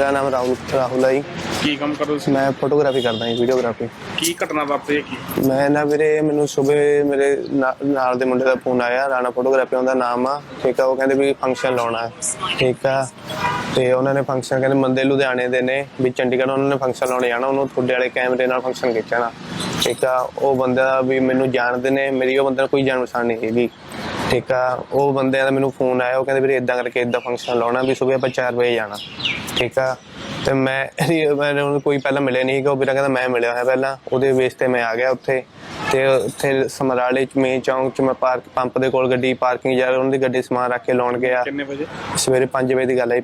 मेरा नाम राहुल है जी। ਕੀ ਕੰਮ ਕਰਦੇ ਸੀ? मैं फोटोग्राफी करदा जी, वीडियोग्राफी। ਕੀ ਘਟਨਾ ਵਾਪਰੀ ਕੀ? मैं ना ਵੀਰੇ ਮੈਨੂੰ ਸਵੇਰੇ ਮੇਰੇ ਨਾਲ ਦੇ ਮੁੰਡੇ ਦਾ ਫੋਨ ਆਇਆ, ਰਾਣਾ ਫੋਟੋਗ੍ਰਾਫੀ ਉਹਦਾ ਨਾਮ ਆ, ਠੀਕ ਆ। ਉਹ ਕਹਿੰਦੇ ਵੀ ਫੰਕਸ਼ਨ ਲਾਉਣਾ, ਠੀਕ ਆ। ਤੇ ਉਹਨਾਂ ਨੇ ਫੰਕਸ਼ਨ ਕਹਿੰਦੇ ਬੰਦੇ ਲੁਧਿਆਣੇ ਦੇ ਨੇ, ਵੀ ਚੰਡੀਗੜ੍ਹ ਉਹਨਾਂ ਨੇ ਫੰਕਸ਼ਨ ਲਾਉਣੇ ਜਾਣਾ, ਉਹਨੂੰ ਤੁਹਾਡੇ ਵਾਲੇ ਕੈਮਰੇ ਨਾਲ ਫੰਕਸ਼ਨ ਖਿੱਚਣਾ, ਠੀਕ ਆ। ਉਹ ਬੰਦਾ ਵੀ ਮੈਨੂੰ ਜਾਣਦੇ ਨੇ, ਮੇਰੀ ਉਹ ਬੰਦੇ ਨਾਲ ਕੋਈ ਜਾਣ ਪਛਾਣ ਨਹੀਂ ਹੈਗੀ, ਠੀਕ ਆ। ਉਹ ਬੰਦਿਆਂ ਦਾ ਮੈਨੂੰ ਫੋਨ ਆਇਆ, ਉਹ ਕਹਿੰਦੇ ਵੀਰੇ ਇੱਦਾਂ ਕਰਕੇ ਇੱਦਾਂ ਫੰਕਸ਼ਨ ਲਾਉਣਾ, ਵੀ ਸੁਬਹ ਆਪਾਂ 4 ਵਜੇ ਜਾਣਾ, ਠੀਕ ਆ। ਤੇ ਮੈਂ ਉਹਨੂੰ ਕੋਈ ਪਹਿਲਾਂ ਮਿਲਿਆ ਨਹੀਂ ਹੈਗਾ। ਉਹ ਵੀਰਾ ਕਹਿੰਦਾ ਮੈਂ ਮਿਲਿਆ ਹੋਇਆ ਪਹਿਲਾਂ, ਉਹਦੇ ਬੇਸ ਤੇ ਮੈਂ ਆ ਗਿਆ ਉੱਥੇ। ਤੇ ਉੱਥੇ ਸਮਰਾਲੇ ਚ ਮੇਨ ਚੌਂਕ ਚ ਮੈਂ ਪੰਪ ਦੇ ਕੋਲ ਗੱਡੀ ਪਾਰਕਿੰਗ ਜਾ ਉਹਨਾਂ ਦੀ ਗੱਡੀ ਸਮਾਨ ਰੱਖ ਕੇ ਲਾਉਣ ਗਿਆ। ਕਿੰਨੇ ਵਜੇ? ਸਵੇਰੇ 5 ਵਜੇ ਦੀ ਗੱਲ ਹੈ,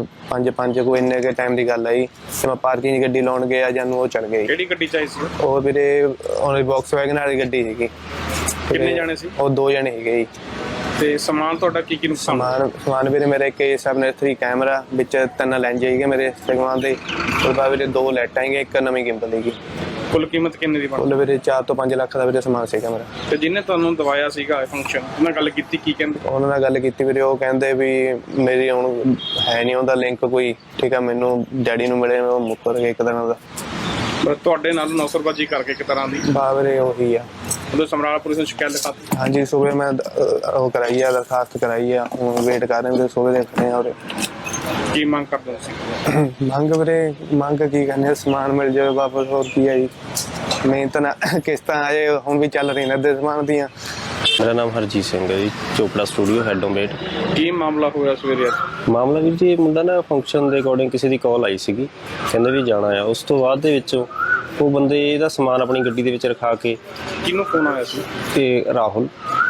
5 ਕੋਈ ਇੰਨੇ ਕੇ ਟਾਈਮ ਦੀ ਗੱਲ ਹੈ। ਤੇ ਮੈਂ ਪਾਰਕਿੰਗ ਗੱਡੀ ਲਾਉਣ ਗਿਆ, ਜਾਨੂੰ ਉਹ ਚੜ ਗਈ। ਕਿਹੜੀ ਗੱਡੀ ਚਾਹੀ ਸੀ? ਉਹ ਵੀਰੇ ਉਹਦੀ ਵੌਕਸਵੈਗਨ ਵਾਲੀ ਗੱਡੀ ਸੀਗੀ। ਕਿੰਨੇ ਜਾਣੇ ਸੀ? ਉਹ 2 ਜਣੇ ਸੀਗੇ ਜੀ। ਤੇ ਸਮਾਨ ਤੁਹਾਡਾ ਕੀ ਕੀ ਨੁਕਸਾਨ? ਸਮਾਨ ਵੀਰੇ ਮੇਰੇ A7III ਕੈਮਰਾ ਵਿੱਚ 3 ਲੈਂਜ ਸੀਗੇ ਮੇਰੇ ਇੰਸਟਾਗ੍ਰਾਮ ਦੇ। ਉਸ ਬਾਅਦ ਵੀਰੇ 2 ਲਾਈਟਾਂ ਸੀਗੀਆਂ, 1 ਨਵੀਂ ਗਿੰਬਲ ਸੀਗੀ। ਕੁੱਲ ਕੀਮਤ ਕਿੰਨੇ ਦੀ ਬਣੀ? ਕੁੱਲ ਵੀਰੇ 4 ਤੋਂ 5 ਲੱਖ ਦਾ ਵੀਰੇ ਸਮਾਨ ਸੀਗਾ ਮੇਰਾ। ਤੇ ਜਿਹਨੇ ਤੁਹਾਨੂੰ ਦਵਾਇਆ ਸੀਗਾ ਫੰਕਸ਼ਨ, ਉਹਨਾਂ ਗੱਲ ਕੀਤੀ, ਕੀ ਕਹਿੰਦੇ? ਉਹਨਾਂ ਨਾਲ ਗੱਲ ਕੀਤੀ ਵੀਰੇ, ਉਹ ਕਹਿੰਦੇ ਵੀ ਮੇਰੀ ਹੁਣ ਹੈ ਨਹੀਂ ਉਹਦਾ ਲਿੰਕ ਕੋਈ, ਠੀਕ ਆ। ਮੈਨੂੰ ਡੈਡੀ ਨੂੰ ਮਿਲੇ, ਉਹ ਮੁੱਕਰ ਗਏ ਇੱਕ ਦਿਨ ਦਾ। ਤੁਹਾਡੇ ਨਾਲ ਨੌਸਰਬਾਜੀ ਕਰਕੇ ਇੱਕ ਤਰ੍ਹਾਂ ਦੀ? ਵੀਰੇ ਉਹੀ ਆ। ਉਦੋਂ ਸਮਰਾਲਾ ਪੁਲਿਸ ਨੂੰ ਸ਼ਿਕਾਇਤ ਲਿਖਾਤੀ? ਹਾਂਜੀ, ਸੁਬਹ ਮੈਂ ਉਹ ਕਰਾਈ ਆ, ਦਰਖਾਸਤ ਕਰਾਈ ਆ। ਹੁਣ ਵੇਟ ਕਰ ਰਹੇ ਵੀਰੇ, ਸੁਬਹ ਦੇ ਖੜੇ ਆ। ਕੀ ਮੰਗ ਕਰਦੇ ਸੀ? ਮੰਗ ਵੀਰੇ ਮੰਗ ਕੀ ਕਰਨੀ, ਸਮਾਨ ਮਿਲ ਜਾਵੇ ਵਾਪਸ, ਹੋਰ ਕੀ ਆ ਜੀ। ਮਿਹਨਤ ਨਾ ਕਿਸ਼ਤਾਂ ਅਜੇ ਹੁਣ ਵੀ ਚੱਲ ਰਹੀਆਂ ਨੇ ਸਮਾਨ ਦੀਆਂ। मेरा नाम हरजीत सिंह है ji, Chopra studio head omelette. ਕੀ ਮਾਮਲਾ ਹੋਇਆ ਸਵੇਰੇ? ਮਾਮਲਾ ਵੀਰ ਜੀ, ਮੁੰਡਾ ਨਾ ਫੰਕਸ਼ਨ ਦੇ ਅਕੋਰਡਿੰਗ ਕਿਸੇ ਦੀ ਕਾਲ ਆਈ ਸੀਗੀ, ਕਹਿੰਦੇ ਵੀ ਜਾਣਾ ਆ। ਉਸ ਤੋਂ ਬਾਅਦ ਦੇ ਵਿੱਚ ਉਹ ਬੰਦੇ ਇਹਦਾ ਸਮਾਨ ਆਪਣੀ ਗੱਡੀ ਦੇ ਵਿੱਚ ਰਖਾ ਕੇ। ਕਿਹਨੂੰ ਫੋਨ ਆਇਆ ਸੀ? ਤੇ ਰਾਹੁਲ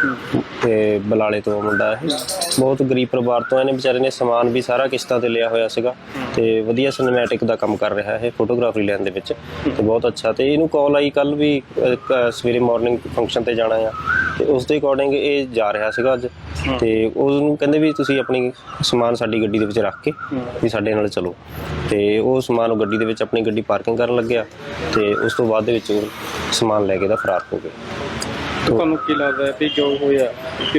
ਤੇ ਬਲਾਲੇ ਤੋਂ ਮੁੰਡਾ ਇਹ, ਬਹੁਤ ਗਰੀਬ ਪਰਿਵਾਰ ਤੋਂ। ਇਹਨੇ ਵਿਚਾਰੇ ਨੇ ਸਮਾਨ ਵੀ ਸਾਰਾ ਕਿਸ਼ਤਾਂ ਤੇ ਲਿਆ ਹੋਇਆ ਸੀਗਾ, ਤੇ ਵਧੀਆ ਸਿਨੇਮੈਟਿਕ ਦਾ ਕੰਮ ਕਰ ਰਿਹਾ ਇਹ ਫੋਟੋਗ੍ਰਾਫਰੀ ਲੈਣ ਦੇ ਵਿੱਚ, ਤੇ ਬਹੁਤ ਅੱਛਾ। ਤੇ ਇਹਨੂੰ ਕਾਲ ਆਈ ਕੱਲ ਵੀ ਸਵੇਰੇ ਮਾਰਨਿੰਗ ਫੰਕਸ਼ਨ ਤੇ ਜਾਣਾ ਆ, ਤੇ ਉਸ ਦੇ ਅਕੋਰਡਿੰਗ ਇਹ ਜਾ ਰਿਹਾ ਸੀਗਾ ਅੱਜ। ਤੇ ਉਹਨੂੰ ਕਹਿੰਦੇ ਵੀ ਤੁਸੀਂ ਆਪਣੀ ਸਮਾਨ ਸਾਡੀ ਗੱਡੀ ਦੇ ਵਿੱਚ ਰੱਖ ਕੇ ਵੀ ਸਾਡੇ ਨਾਲ ਚਲੋ। ਤੇ ਉਹ ਸਮਾਨ ਉਹ ਗੱਡੀ ਦੇ ਵਿੱਚ ਆਪਣੀ ਗੱਡੀ ਪਾਰਕਿੰਗ ਕਰਨ ਲੱਗਿਆ, ਤੇ ਉਸ ਤੋਂ ਬਾਅਦ ਦੇ ਵਿੱਚ ਉਹ ਸਮਾਨ ਲੈ ਕੇ ਦਾ ਫਰਾਰ ਹੋ ਗਿਆ। ਤੁਹਾਨੂੰ ਕੀ ਲੱਗਦਾ ਹੈ ਕਿ ਜੋ ਹੋਇਆ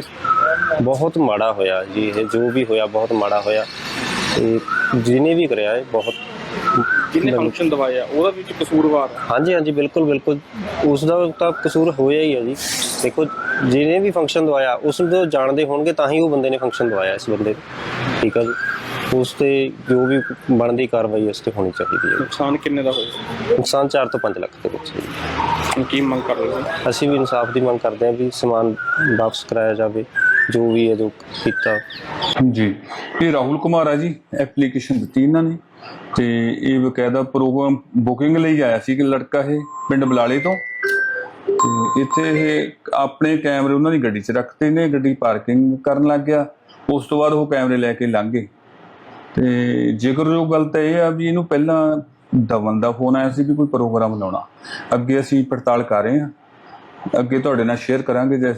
ਬਹੁਤ ਮਾੜਾ ਹੋਇਆ ਜੀ, ਇਹ ਜੋ ਵੀ ਹੋਇਆ ਬਹੁਤ ਮਾੜਾ ਹੋਇਆ। ਤੇ ਜਿਹਨੇ ਵੀ ਕਰਿਆ ਇਹ ਬਹੁਤ, ਜਿਹਨੇ ਫੰਕਸ਼ਨ ਦਵਾਇਆ ਉਹਦਾ ਵੀ ਕਸੂਰਵਾਰ? ਹਾਂਜੀ ਹਾਂਜੀ, ਬਿਲਕੁਲ ਬਿਲਕੁਲ, ਉਸ ਦਾ ਤਾਂ ਕਸੂਰ ਹੋਇਆ ਹੀ ਹੈ ਜੀ। ਦੇਖੋ, ਜਿਹਨੇ ਵੀ ਫੰਕਸ਼ਨ ਦਵਾਇਆ ਉਸ ਨੂੰ ਜਾਣਦੇ ਹੋਣਗੇ ਤਾਂ ਹੀ ਉਹ ਬੰਦੇ ਨੇ ਫੰਕਸ਼ਨ ਦਵਾਇਆ ਇਸ ਬੰਦੇ ਨੂੰ, ਠੀਕ ਆ ਜੀ। ਉਸ ਤੇ ਜੋ ਵੀ ਬਣਦੀ ਕਾਰਵਾਈ ਉਸ ਤੇ ਹੋਣੀ ਚਾਹੀਦੀ ਹੈ। ਨੁਕਸਾਨ ਕਿੰਨੇ ਦਾ ਹੋਇਆ? ਨੁਕਸਾਨ 4 ਤੋਂ 5 ਲੱਖ ਦੇ ਵਿੱਚ। ਕੀ ਮੰਗ ਕਰ ਰਹੇ ਹੋ? ਅਸੀਂ ਵੀ ਇਨਸਾਫ ਦੀ ਮੰਗ ਕਰਦੇ ਹਾਂ ਵੀ ਸਮਾਨ ਵਾਪਸ ਕਰਾਇਆ ਜਾਵੇ, ਜੋ ਵੀ ਹੈ ਜੋ ਕੀਤਾ ਜੀ। ਇਹ ਰਾਹੁਲ ਕੁਮਾਰ ਆ ਜੀ, ਐਪਲੀਕੇਸ਼ਨ ਦਿੱਤੀ ਇਹਨਾਂ ਨੇ, ਤੇ ਇਹ ਬਕਾਇਦਾ ਪ੍ਰੋਗਰਾਮ ਬੁਕਿੰਗ ਲਈ ਆਇਆ ਸੀ ਕਿ ਲੜਕਾ ਇਹ ਪਿੰਡ ਬਲਾਲੇ ਤੋਂ। ਤੇ ਇੱਥੇ ਇਹ ਆਪਣੇ ਕੈਮਰੇ ਉਹਨਾਂ ਦੀ ਗੱਡੀ 'ਚ ਰੱਖਤੇ ਨੇ, ਗੱਡੀ ਪਾਰਕਿੰਗ ਕਰਨ ਲੱਗ ਗਿਆ। ਉਸ ਤੋਂ ਬਾਅਦ ਉਹ ਕੈਮਰੇ ਲੈ ਕੇ ਲੰਘ ਗਏ। ਤੇ ਜ਼ਿਕਰਯੋਗ ਗੱਲ ਤਾਂ ਇਹ ਆ ਵੀ ਇਹਨੂੰ ਪਹਿਲਾਂ ਦਵਨ ਦਾ ਫੋਨ ਆਇਆ ਸੀ ਕਿ ਕੋਈ ਪ੍ਰੋਗਰਾਮ ਲਾਉਣਾ। ਅੱਗੇ ਅਸੀਂ ਪੜਤਾਲ ਕਰ ਰਹੇ ਹਾਂ, ਅੱਗੇ ਤੁਹਾਡੇ ਨਾਲ ਸ਼ੇਅਰ ਕਰਾਂਗੇ।